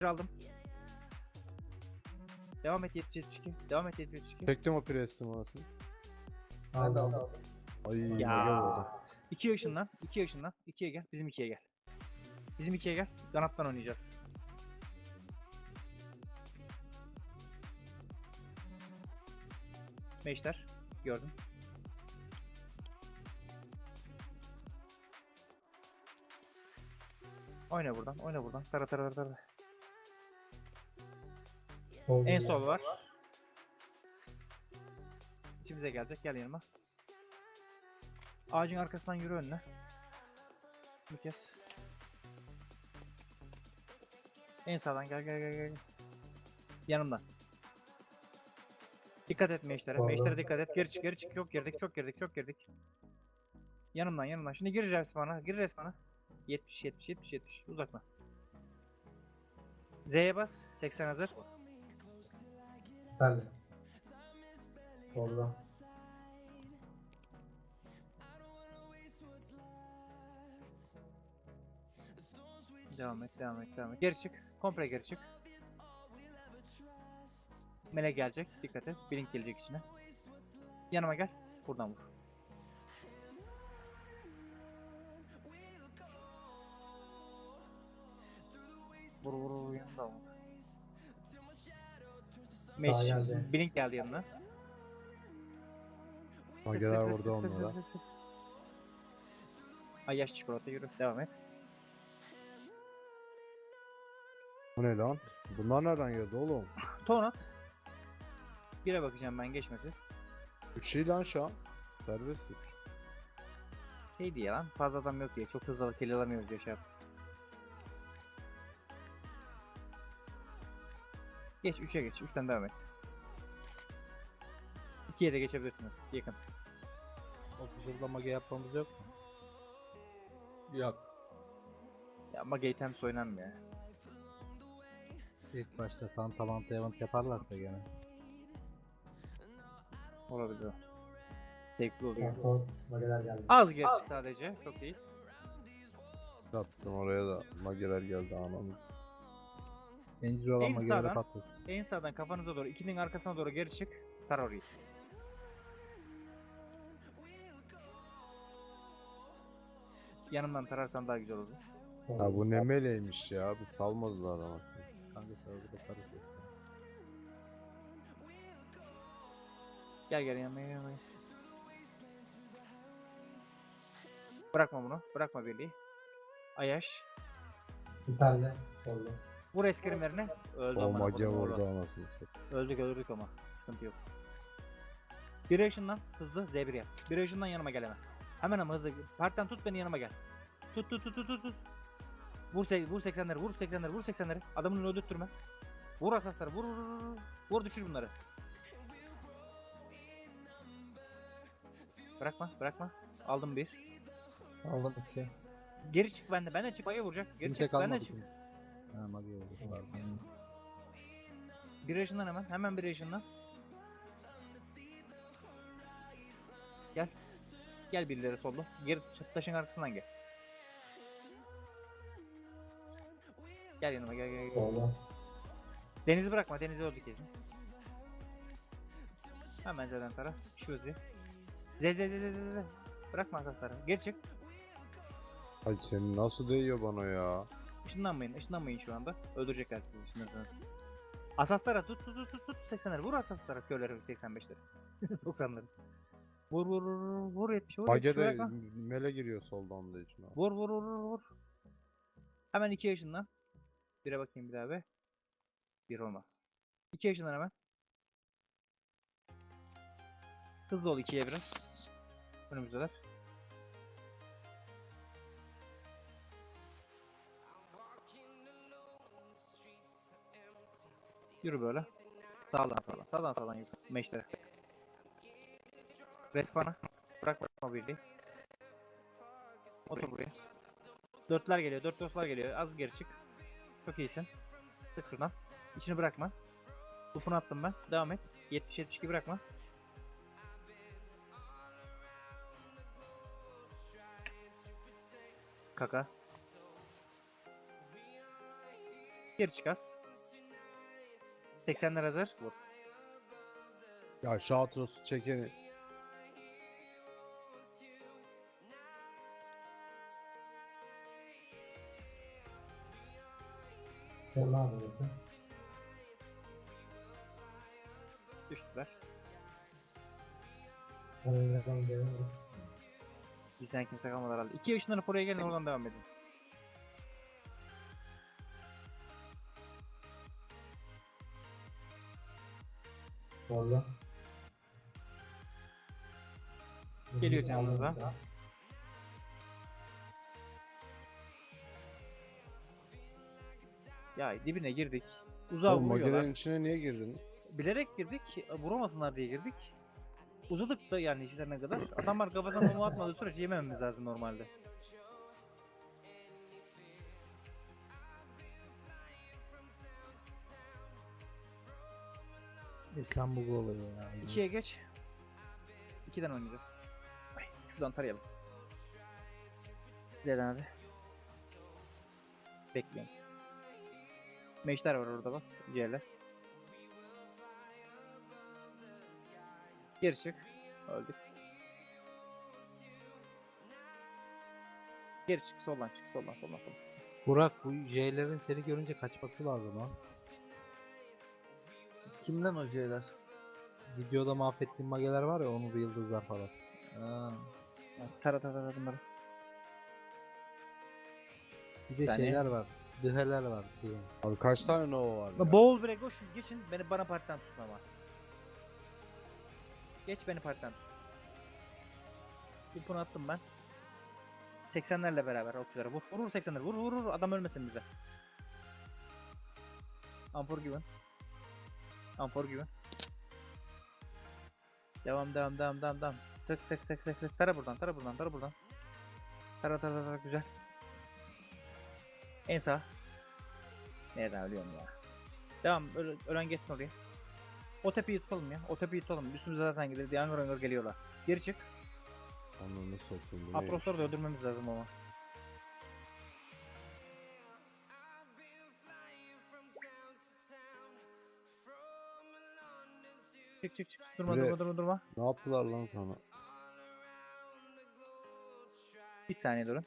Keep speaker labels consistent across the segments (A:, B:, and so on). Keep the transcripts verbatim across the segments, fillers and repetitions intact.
A: aldım. Devam et yetmiş yetmiş iki. Devam et yetmiş yetmiş iki.
B: Çektim o prestim orasını.
C: Ben de aldım.
B: Ay mage
A: Ya.
B: vurdu.
A: iki yaşından. iki yaşından. ikiye gel. Bizim ikiye gel. Bizim ikiye gel. Kanattan oynayacağız. Meşler. Gördüm. Oyna buradan. Oyna buradan. Tara tara tara.
C: Oldu
A: En
C: ya.
A: sol var. İçimize gelecek. Gel yanıma. Ağacın arkasından yürü önüne. Bir kez. En sağdan gel gel gel gel. Yanımdan. Dikkat et meşlere.
C: Pardon.
A: Meşlere dikkat et. Geri çık geri çık. Çok girdik çok girdik çok girdik. Yanımdan yanımdan. Şimdi gir resmana. Gir resmana. yetmiş yetmiş yetmiş yetmiş. Uzakla. Z'ye bas. seksen hazır.
C: Ben de. Orada.
A: Devam et, devam et, devam et. Geri çık. Komple geri çık. Melek gelecek. Dikkat et. Blink gelecek içine. Yanıma gel. Buradan vur. Vur vur vur yanından vur.
C: Sağ
A: Meş.
C: geldi.
A: Blink geldi yanına. Sık,
B: Mageler
A: sık,
B: vurdu
A: sık, sık,
B: onlara.
A: sık, sık, sık. Ay yaş çikolata yürü. Devam et.
B: Bu ne lan? Bunlar nereden geldi oğlum?
A: Ton at. Bire bakacağım ben geçmesiz.
B: üç şey lan şu an. Serbest üç.
A: Şey diye lan fazla adam yok diye çok hızlı kill alamıyoruz Yaşar. Geç üçe geç. üçten devam et. ikiye de geçebilirsiniz. Yakın.
D: otuz yılda mage yapmamız yok mu?
C: Yok.
A: Ya ama Gatems oynanmıyor ya.
D: İlk başta Santa Manta Event yaparlarsa gene.
A: Olabilir o. Zevkli oluyor.
C: Kontrol. Mageler geldi.
A: Az geri çık sadece. Çok değil.
B: Attım oraya da mageler geldi anam.
D: Zincir olan
A: En
D: mageleri
A: sağdan.
D: patlat.
A: En sağdan kafanıza doğru. ikinin arkasına doğru geri çık. Sar orayı. Yanımdan tararsan daha güzel olur.
B: Ha bu ne meleymiş ya. Bir salmadılar anasını.
D: Kanka serverda karışıyor.
A: Gel gel yanıma gel yanıma. gel. Bırakma bunu. Bırakma birliği. Ayaş.
C: Bir tane oldu.
A: Vur eskrimlerine. Öldü
B: O
A: amına
B: mage
A: kodum oğlu.
B: vurdu anasını.
A: Öldük öldük ama. Sıkıntı yok. Bir yaşından hızlı Z bir yap. Bir yaşından yanıma gel hemen. Hemen ama hızlı. Partiden tut beni yanıma gel. Tut tut tut tut tut. tut. Vur, se vur seksenleri vur seksenleri vur seksenleri. Adamını öldürtme. Vur asasları vur vur vur. vur. Vur düşür bunları. Bırakma bırakma. Aldım bir.
D: Aldım iki.
A: Geri çık bende. Bende çık. Mage vuracak. Geri
D: Kimse
A: çık. Bende
D: kalmadı.
A: çık.
D: şimdi. Ha mage oldu. Pardon.
A: Bir yaşından hemen. Hemen bir yaşından. Gel. Gel birileri solda. Geri taşın arkasından gel. Gel yanıma gel gel gel.
C: Oldu.
A: Deniz'i bırakma. Deniz'i öldü kesin. Hemen Z'den tara. Şu Z. Z Z Z Z Z. Z. Bırakma arkadaşlar. Geri çık.
B: Ay senin nasıl değiyor bana ya?
A: Işınlanmayın. Işınlanmayın şu anda. Öldürecekler sizi ışınlanırsanız. Asaslara tut tut tut tut tut. seksenleri vur asaslara. Köyleri seksen beşleri. doksanları. Vur vur vur vur. Vur yetmiş vur.
B: Mage
A: yetmiş,
B: de
A: bırakma.
B: mele giriyor soldan da içine.
A: Vur vur vur vur vur. Hemen iki yaşından. Bire bakayım bir daha be. Bir olmaz. iki yaşından hemen. Hızlı ol ikiye biraz. Önümüzdeler. Yürü böyle. Sağdan sağdan. Sağdan sağdan yürü. Meşlere. Respana. Bırak bırakma birliği. Otur buraya. Dörtler geliyor. Dört dostlar geliyor. Az geri çık. Çok iyisin. Tık şuradan. İçini bırakma. Topunu attım ben. Devam et. yetmiş yetmiş iki bırakma. Kaka. Geri çık az. seksenler hazır. Vur.
B: Ya şu outrosu çekeni.
C: Sol abi burası.
A: Düştüler.
C: Önümüzden geliriz.
A: Bizden kimse kalmadı herhalde. İki ışınlanıp oraya gelin, oradan devam edin.
C: Solda.
A: Geliyor
C: Sağda
A: yanınıza.
C: burada.
A: Ya dibine girdik. Uzağa
B: Oğlum
A: vuruyorlar.
B: magelerin içine niye girdin?
A: Bilerek girdik. Vuramasınlar diye girdik. Uzadık da yani işlerine kadar. Adamlar kafasına bomba atmadığı sürece yemememiz lazım normalde.
D: Ekran bugu oluyor ya.
A: İkiye geç. İkiden oynayacağız. Ay, şuradan tarayalım. Zeden abi. Bekliyorum. Meşler var orada bak. Ciğerler. Geri çık. Öldük. Geri çık. Soldan çık. Soldan soldan soldan.
D: Burak, bu J'lerin seni görünce kaçması lazım ha.
A: Kimden o C'ler?
D: Videoda mahvettiğin mageler var ya, onun yıldızlar falan.
A: Aa. Tara tara tara bunları.
D: Bir de
A: Yani-
D: şeyler var. Dıheler var diye.
B: Abi kaç tane Nova var ya?
A: Boğul bre koş geçin, beni bana partiden tutma ama. Geç beni partiden tut. Bir bunu attım ben. seksenlerle beraber okçulara vur. Vur vur seksenler, vur vur vur, adam ölmesin bize. Ampor gibi. Ampor gibi. Devam devam devam devam devam. Sık sık sık sık sık. Tara buradan, tara buradan, tara buradan. Tara tara tara, güzel. En sağ. Nereden ölüyorum ya? Devam, öl ölen geçsin oraya. O tepeyi tutalım ya. O tepeyi tutalım. Üstümüze zaten gelir. Yangır yangır geliyorlar. Geri çık.
B: Ananı satayım bu neymiş?
A: Aprosları da öldürmemiz lazım ama. Çık çık çık. Durma
B: Bre-
A: durma durma durma.
B: Ne yaptılar lan sana?
A: Bir saniye durun.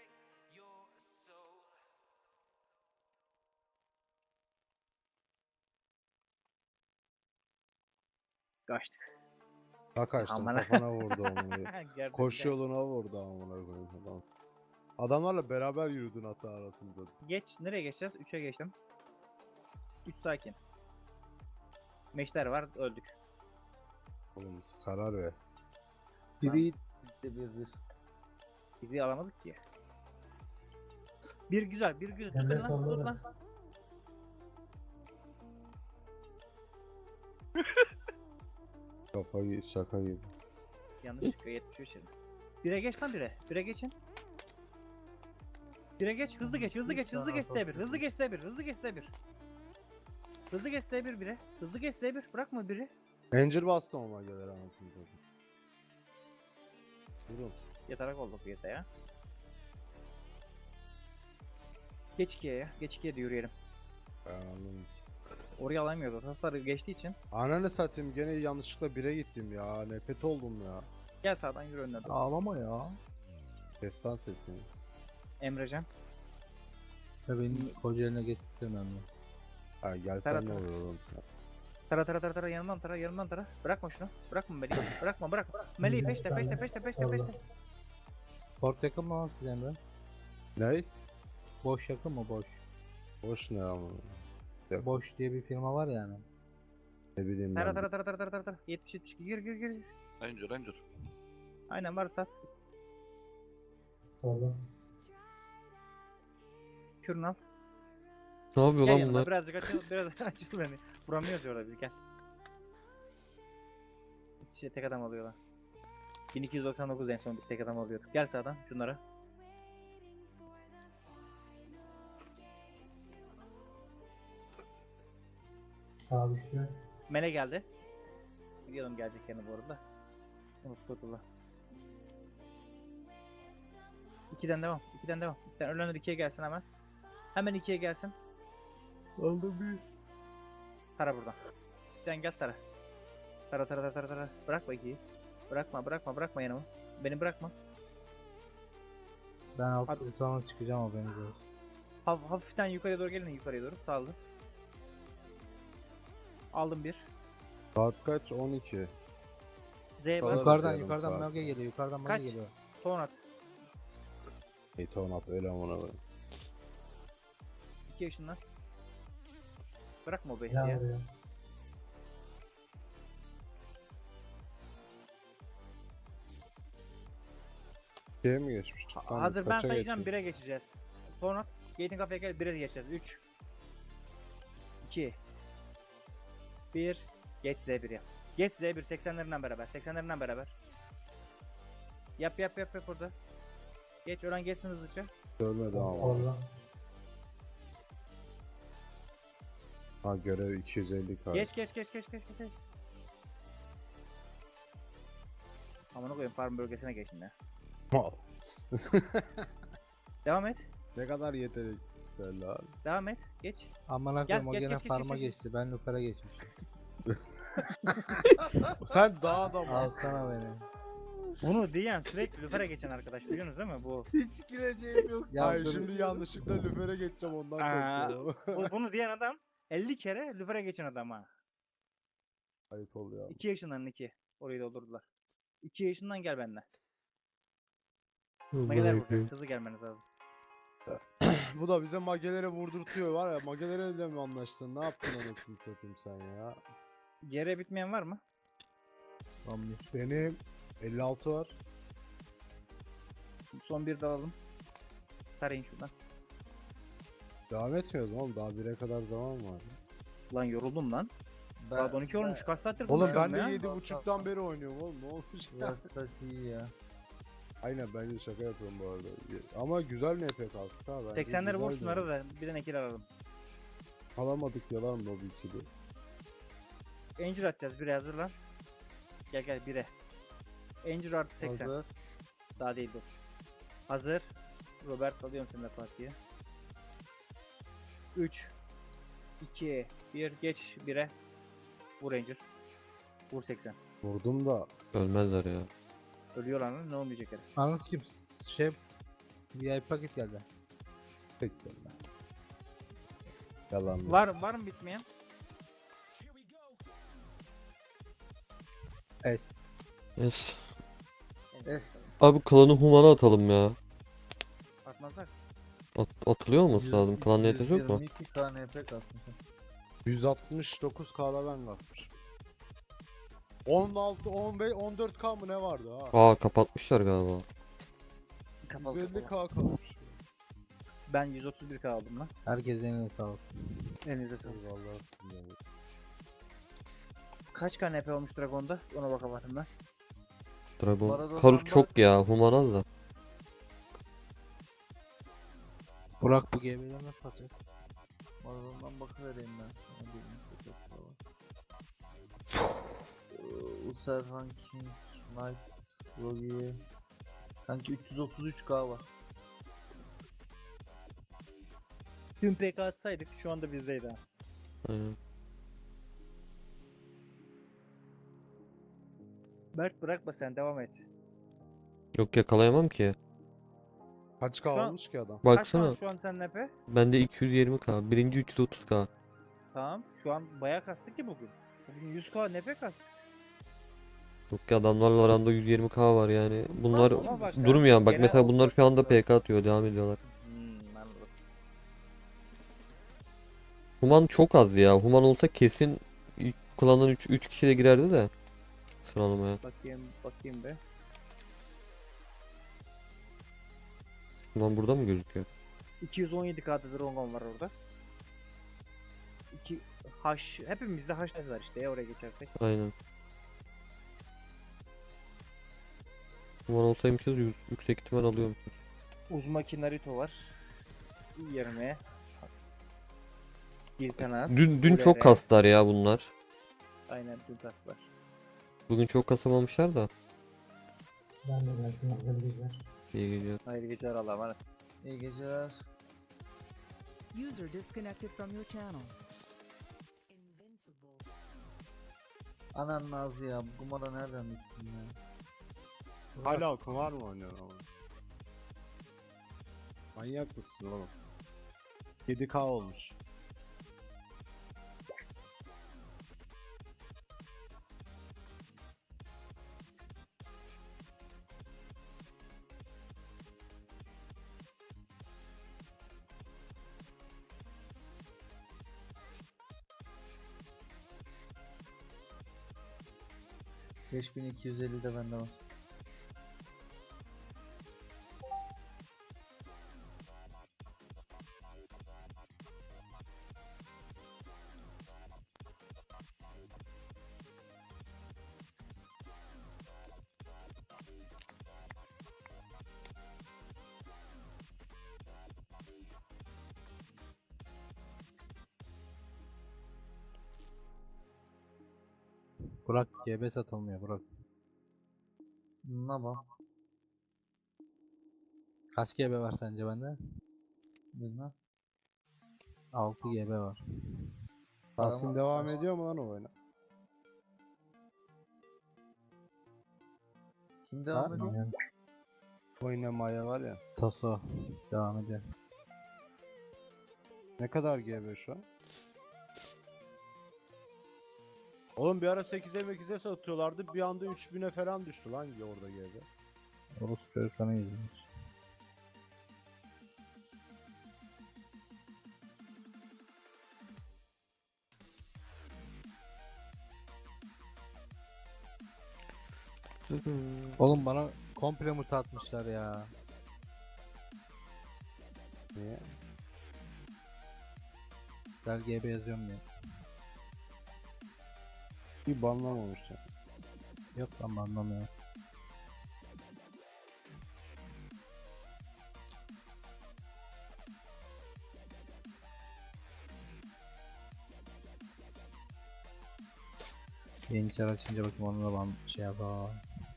A: Kaçtık.
B: Ha kaçtım,
A: Aman.
B: kafana vurdu onu.
A: Gördüm
B: Koşu
A: de.
B: yoluna vurdu amına koyayım adam. Adamlarla beraber yürüdün hatta arasında.
A: Geç. Nereye geçeceğiz? üçe geçtim. üç sakin. Meşler var. Öldük.
B: Oğlum karar ver.
D: Biri bitti bir bir.
A: Bizi alamadık ki. Bir güzel. Bir güzel. Tut
C: Emre
A: beni lan.
C: solda
A: Tut
C: da.
A: lan.
B: Kafayı şaka gibi.
A: Yanlışlıkla yetmiş beş yedim. Bire geç lan bire. Bire geçin. Bire geç. Hızlı geç. Hızlı geç. Hızlı geç S bir. Hızlı geç S bir. Hızlı geç S bir. Hızlı geç S bir bire. Hızlı geç S bir. Bırakma biri.
B: Angel bastı o mageler anasını satayım. Durun.
A: Yatarak oldu bu yata ya. Geç ikiye ya. Geç ikiye de yürüyelim.
B: Ben anladım.
A: Oraya alamıyoruz. Hasarı geçtiği için.
B: Ananı satayım, gene yanlışlıkla bire gittim ya. Nefret oldum ya.
A: Gel sağdan yürü önüne doğru.
D: Ağlama ya.
B: Destan sesini.
A: Emrecan.
D: Ya beni Kocaeli'ne getirtemem ya.
B: Ha
A: Tara
B: gelsen ne
A: tara.
B: olur oğlum sen.
A: Tara tara tara tara, yanından tara, yanından tara. Bırakma şunu. Bırakma Melih'i. Bırakma bırak. Melih'i peşte peşte peşte peşte peşte.
D: Port yakın mı lan siz Emre?
B: Ne?
D: Boş yakın mı boş?
B: Boş ne ama.
D: Boş diye bir firma var yani.
B: Ne bileyim
A: Tara
B: ben.
A: tara tara tara tara tara tara. yetmiş yetmiş iki, gir gir gir.
E: Ranger Ranger.
A: Aynen, var sat.
C: Solda.
A: Kürünü al.
F: Ne yapıyor
A: Gel
F: lan
A: yanıma,
F: bunlar?
A: birazcık açıl, biraz açıl beni. Vuramıyoruz ya orada, biz gel. İçe tek adam alıyorlar. bin iki yüz doksan dokuz en son biz tek adam alıyorduk. Gel sağdan şunlara.
C: Sağ düştü.
A: Mele geldi. Biliyordum gelecek yanı bu arada. Unuttular. İkiden devam. İkiden devam. İkiden ölenler ikiye gelsin hemen. Hemen ikiye gelsin.
D: Aldım bir.
A: Tara buradan. Sen gel tara. Tara tara tara tara tara. Bırakma ikiyi. Bırakma bırakma bırakma yanımı. Beni bırakma.
D: Ben altı
A: Hadi.
D: yıl sonra çıkacağım haberiniz olsun.
A: Haf hafiften yukarıya doğru gelin yukarıya doğru. Saldı. Aldım bir.
B: Saat kaç? on iki.
A: Z bas.
B: Yukarı-
D: Yukarıdan
B: yarım
D: yukarıdan
B: saat.
D: mage geliyor. Yukarıdan mage
A: Kaç?
D: geliyor.
A: Ton at.
B: Hey Tonat öyle amına koyayım.
A: İki yaşından. Bırakma o
C: Can
A: bestiye.
C: vuruyor.
B: Şeye mi geçmiş?
A: Ha-
B: Tamam,
A: Hazır ben
B: kaça
A: sayacağım
B: geçmiş?
A: bire geçeceğiz. Ton at. Gate'in kafaya gel bire geçeceğiz. üç iki bir Geç Z bir yap. Geç Z bir seksenlerinden beraber. seksenlerinden beraber. Yap yap yap yap orada. Geç oran geçsin hızlıca.
B: Görmedi ama.
C: Oradan.
B: Ha görev iki yüz elli k.
A: Geç geç geç geç geç geç. Amına koyayım farm bölgesine geçin ya.
B: Mal.
A: Devam et.
B: Ne kadar yeteneksizler lan.
A: Devam et. Geç.
D: Aman
A: Gel,
D: akım o
A: geç,
D: gene
A: geç, geç,
D: farma
A: geç, geç.
D: geçti. Ben Lufer'e geçmişim.
B: Sen daha da mal.
D: Alsana beni.
A: Bunu diyen sürekli lüfere geçen arkadaş biliyorsunuz değil mi bu?
D: Hiç gireceğim yok. Ya
B: Hayır
D: dur.
B: şimdi yanlışlıkla lüfere geçeceğim ondan
A: Aa.
B: korkuyorum.
A: bu- Bunu diyen adam elli kere lüfere geçen adam ha.
B: Ayıp oluyor.
A: iki yaşından iki. Orayı doldurdular. iki yaşından gel benden. Mageler vuracak. Hızlı gelmeniz lazım.
B: Bu da bize magelere vurdurtuyor var ya, magelere mi anlaştın? Ne yaptın anasını satayım sen ya?
A: C R bitmeyen var mı?
D: Tamam.
B: Benim elli altı var.
A: Son bir de alalım. Tarayın şuradan.
B: Devam etmiyoruz oğlum, daha bire kadar zaman var.
A: Lan yoruldum lan. Saat on iki olmuş. Kaç saattir
B: Oğlum ben
A: konuşuyorum
B: de
A: ya?
B: yedi buçuktan beri oynuyorum oğlum, ne olmuş ya?
D: Biraz iyi ya.
B: Aynen bence şaka yapıyorum bu arada. Ama güzel N P kastı ha. bence
A: seksenleri vur
B: güzel
A: şunları
B: de.
A: da bir de nekil alalım.
B: Alamadık yalan mı bu ikili?
A: Angel atacağız bire hazırlan. Gel gel bire. Angel artı seksen.
D: Hazır.
A: Daha değil dur. Hazır. Robert alıyorum seni de partiye. üç iki bir geç bire. Vur Ranger. Vur seksen.
B: Vurdum da
E: Ölmezler ya.
A: Ölüyor lan ne olmayacak herif.
D: Anladın kim? Şey V I P paket geldi.
B: tekrar. Yalan.
A: Var var mı bitmeyen?
D: S.
E: Yes.
D: S.
E: Abi klanı humana atalım ya.
A: Atmazlar.
E: At atılıyor olması lazım. Klan niyeti yok mu?
D: yirmi iki K N P kastım.
B: yüz altmış dokuz K'da ben basmışım. on altı, on beş, on dört K mı ne vardı ha?
E: Aa kapatmışlar galiba.
A: Kapalı
B: yüz elli
A: kapalı.
B: K kalmış.
A: Ben yüz otuz bir K aldım lan.
D: Herkese eline sağlık.
A: Elinize sağlık.
B: Eyvallah sizin yani.
A: Kaç K N P olmuş Dragon'da? Ona bakamadım ben.
E: Dragon.
D: Maradona'dan
E: Karus
D: bak.
E: çok ya. Humana da.
D: Burak bu G B'leri nasıl satacağız? Maradona'dan bakıvereyim ben. Sana bir Instagram falan. Ee, Userhan King, Knight, Rogier. Sanki üç yüz otuz üç K var.
A: Tüm P K atsaydık şu anda bizdeydi ha.
E: Aynen.
A: Mert bırakma sen devam et.
E: Yok yakalayamam ki.
B: Kaç
A: Şu
B: K
A: an-
B: olmuş ki adam?
A: Kaç
E: Baksana.
A: şu an sen N P?
E: Bende iki yüz yirmi K. Birinci üç yüz otuz K.
A: Tamam. Şu an bayağı kastık ki bugün. Bugün yüz K N P kastık.
E: Yok ki adamlarla aramda yüz yirmi K var yani. Bunlar
A: Ama bak sen
E: durmuyor. Bak
A: genel
E: mesela bunlar şu anda
A: olarak-
E: P K atıyor. Devam ediyorlar.
A: Hmm, anladım.
E: Human çok az ya. Human olsa kesin ilk klandan üç üç kişi de girerdi de sıralamaya.
A: Bakayım bakayım be.
E: Human burada mı gözüküyor?
A: iki yüz on yedi K'da Dragon var orada. iki H hepimizde H var işte ya oraya geçersek.
E: Aynen. Human olsaymışız yü- yüksek ihtimal alıyormuşuz.
A: Uzumaki Naruto var. Yerine Giltanas.
E: Dün dün çok
A: Ulere.
E: kastılar ya bunlar.
A: Aynen dün kaslar.
E: Bugün çok kasamamışlar da.
C: Ben de belki yapabilirler.
E: İyi geliyor.
A: Hayırlı geceler Allah'a emanet.
D: İyi geceler.
F: User disconnected from your channel. Invincible.
D: Anan Nazlı ya, bu kumara nereden düştün ya? Burak,
B: Hala kumar mı oynuyorsun ama? Manyak mısın oğlum? yedi K olmuş.
D: beş bin iki yüz elli de bende var. Burak G B satılmıyor Burak. Ne bak? Kaç G B var sence bende? Bilmem. altı G B var.
B: Tahsin devam ediyor mu lan o oyuna?
D: Kim devam
B: Ha?
D: ediyor?
C: Yani
B: Oynamaya var ya.
D: Toso devam ediyor.
B: Ne kadar G B şu an? Oğlum bir ara sekize mekize satıyorlardı. Bir anda üç bine falan düştü lan orada G B.
D: Orası çocuklarına izlemiş. Oğlum bana komple muta atmışlar ya.
B: Niye?
D: Sel G B yazıyorum ya.
B: Bir banlamamış ya.
D: Yok lan anlamıyorum. Yeni çar açınca bakayım onunla ban şey yapalım.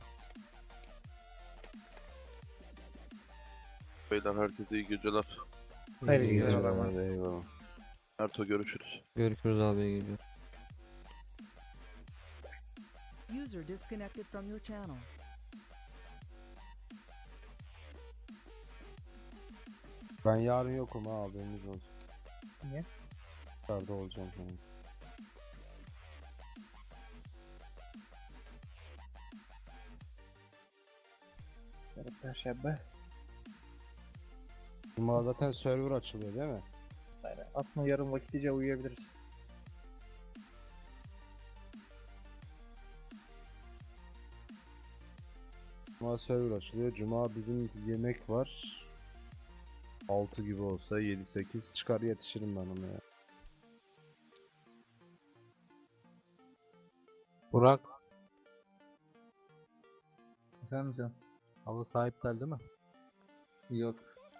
G: Beyler herkese iyi geceler.
C: Hayırlı
E: İyi
C: geceler
E: geceler.
C: ama.
B: Eyvallah.
G: Erto görüşürüz.
E: Görüşürüz abi, iyi geceler.
F: User disconnected from your channel.
B: Ben yarın yokum ha, haberiniz olsun.
C: Niye?
B: Dışarıda olacağım falan.
C: Yarın Perşembe.
B: Cuma zaten server açılıyor değil mi?
C: Aynen. Aslında yarın vakitlice uyuyabiliriz.
B: Cuma server açılıyor. Cuma bizim yemek var. altı gibi olsa yedi sekiz çıkar yetişirim ben ona ya.
D: Burak. Efendim canım. Halı sahip iptal değil mi? Yok.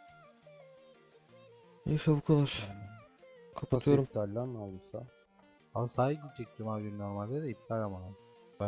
E: Neyse bu kadar.
B: Nasıl
E: Kapatıyorum.
B: iptal lan aldıysa?
D: Halı sahaya gidecek cuma günü normalde de iptal ama.